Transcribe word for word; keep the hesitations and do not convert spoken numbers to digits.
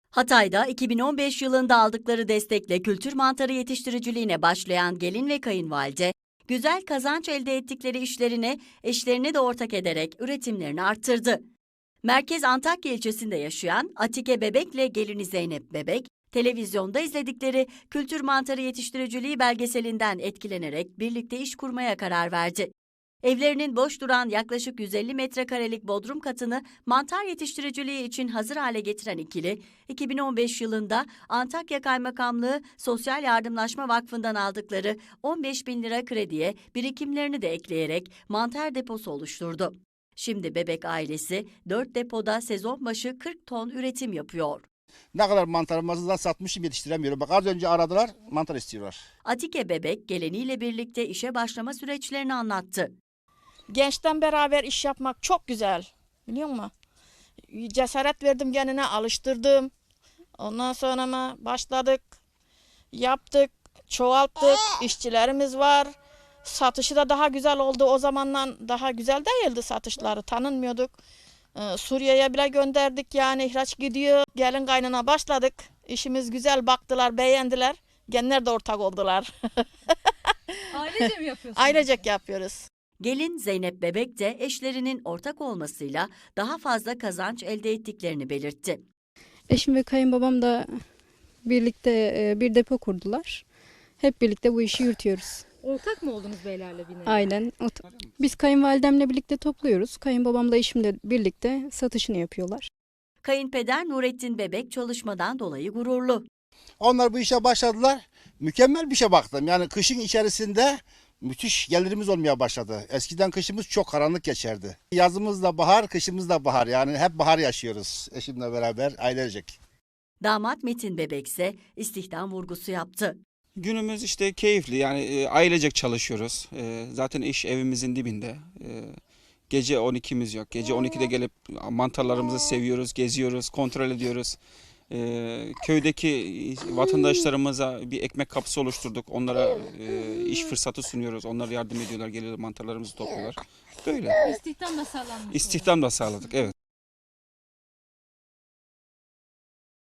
Hatay'da iki bin on beş yılında aldıkları destekle kültür mantarı yetiştiriciliğine başlayan gelin ve kayınvalide, güzel kazanç elde ettikleri işlerine eşlerini de ortak ederek üretimlerini arttırdı. Merkez Antakya ilçesinde yaşayan Atike Bebek'le gelini Zeynep Bebek, televizyonda izledikleri kültür mantarı yetiştiriciliği belgeselinden etkilenerek birlikte iş kurmaya karar verdi. Evlerinin boş duran yaklaşık yüz elli metrekarelik bodrum katını mantar yetiştiriciliği için hazır hale getiren ikili, iki bin on beş yılında Antakya Kaymakamlığı Sosyal Yardımlaşma Vakfı'ndan aldıkları on beş bin lira krediye birikimlerini de ekleyerek mantar deposu oluşturdu. Şimdi Bebek ailesi dört depoda sezon başı kırk ton üretim yapıyor. Ne kadar mantarımızı da satmışım, yetiştiremiyorum. Bak az önce aradılar, mantar istiyorlar. Atike Bebek geleniyle birlikte işe başlama süreçlerini anlattı. Gençten beraber iş yapmak çok güzel, biliyor musun? Cesaret verdim kendine, alıştırdım. Ondan sonra mı başladık, yaptık, çoğalttık, işçilerimiz var. Satışı da daha güzel oldu. O zamandan daha güzel değildi satışları, tanınmıyorduk. Ee, Suriye'ye bile gönderdik, yani ihraç gidiyor. Gelin kaynana başladık. İşimiz güzel, baktılar, beğendiler. Genler de ortak oldular. Ailece mi yapıyorsunuz? Ailecek yapıyoruz. Gelin Zeynep Bebek de eşlerinin ortak olmasıyla daha fazla kazanç elde ettiklerini belirtti. Eşim ve kayınbabam da birlikte e, bir depo kurdular. Hep birlikte bu işi yürütüyoruz. Ortak mı oldunuz beylerle bir nevi? Aynen. Biz kayınvalidemle birlikte topluyoruz. Kayınbabamla eşimle birlikte satışını yapıyorlar. Kayınpeder Nurettin Bebek çalışmadan dolayı gururlu. Onlar bu işe başladılar. Mükemmel bir şey baktım. Yani kışın içerisinde müthiş gelirimiz olmaya başladı. Eskiden kışımız çok karanlık geçerdi. Yazımız da bahar, kışımız da bahar. Yani hep bahar yaşıyoruz eşimle beraber ailecek. Damat Metin Bebek ise istihdam vurgusu yaptı. Günümüz işte keyifli, yani e, ailecek çalışıyoruz. E, zaten iş evimizin dibinde. E, gece on ikimiz yok. Gece on ikide gelip mantarlarımızı seviyoruz, geziyoruz, kontrol ediyoruz. E, köydeki vatandaşlarımıza bir ekmek kapısı oluşturduk. Onlara e, iş fırsatı sunuyoruz. Onlar yardım ediyorlar, geliyorlar, mantarlarımızı topluyorlar. Böyle. İstihdam da sağlanmış. İstihdam da sağladık, evet.